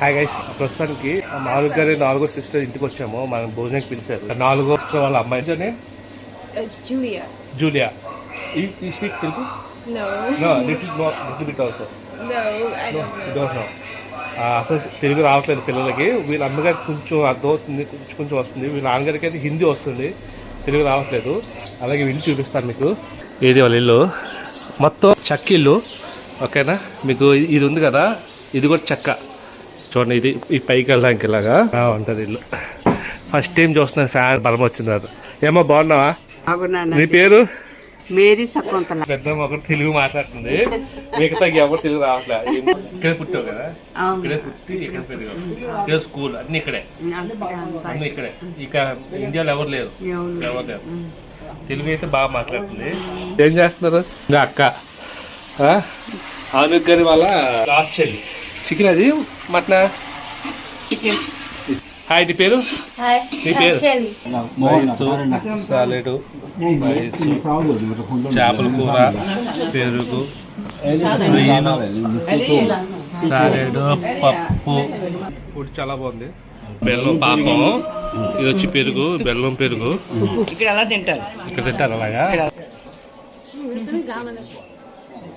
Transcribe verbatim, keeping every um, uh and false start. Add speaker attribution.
Speaker 1: Hi guys, ప్రస్తుతానికి మామూలు గారి నాలుగో సిస్టర్ ఇంటికి వచ్చాము. మనం భోజనానికి పిలిచారు. నాలుగో సిస్టర్ వాళ్ళ అమ్మాయి
Speaker 2: జూలియా.
Speaker 1: జూలియా. ఈ speak Telugu?
Speaker 2: No.
Speaker 1: No, little more, little bit also.
Speaker 2: No, I
Speaker 1: No,
Speaker 2: don't know.
Speaker 1: you don't know. అసలు తెలుగు రావట్లేదు పిల్లలకి. వీళ్ళ అమ్మగారికి కొంచెం అర్థం అవుతుంది, కొంచెం కొంచెం వస్తుంది. వీళ్ళ నాన్నగారికి అయితే హిందీ వస్తుంది, తెలుగు రావట్లేదు. అలాగే ఇల్లు చూపిస్తాను మీకు. ఏది వాళ్ళ ఇల్లు మొత్తం చెక్క ఇల్లు, ఓకేనా? మీకు ఇది ఉంది కదా, ఇది కూడా చెక్క. చూడండి, ఇది ఈ పైకి వెళ్ళడానికి ఇలాగా ఉంటుంది ఇల్లు. ఫస్ట్ టైం చూస్తున్నాను ఫ్యాన్ బలం వచ్చింది. అది ఏమో బాగున్నావా? నీ పేరు?
Speaker 3: మేరీ శకుంతల.
Speaker 1: పెద్దమ్మ ఒకటి తెలుగు మాట్లాడుతుంది, మిగతా ఎవరు తెలుగు రావట్లేదు. ఇక్కడే పుట్టావు కదా, ఇక్కడే పుట్టి ఇక్కడ పెరిగావు, ఇక్కడ స్కూల్ అన్ని ఇక్కడే, అన్ని ఇక్కడే. ఇక ఇండియాలో ఎవరు లేరు, ఎవరు లేరు. తెలుగు అయితే బాగా మాట్లాడుతుంది. ఏం చేస్తున్నారు? ఇంకా అక్క ఆనుక్ గారి వాళ్ళ లాస్ట్ చెల్లి. చికెన్ అది మటన్
Speaker 3: చికెన్.
Speaker 1: హాయ్, నీ పేరు? నీ పేరు? రైసు, సాలెడ్, రైసు, చేపల కూర, పెరుగు, రొయ్యలు, సాలెడ్, పప్పు. ఫుడ్ చాలా బాగుంది. బెల్లం పాకం, ఇది వచ్చి పెరుగు, బెల్లం పెరుగు.
Speaker 3: ఇక్కడ ఎలా తింటారు?
Speaker 1: ఇక్కడ తింటారు అలాగా.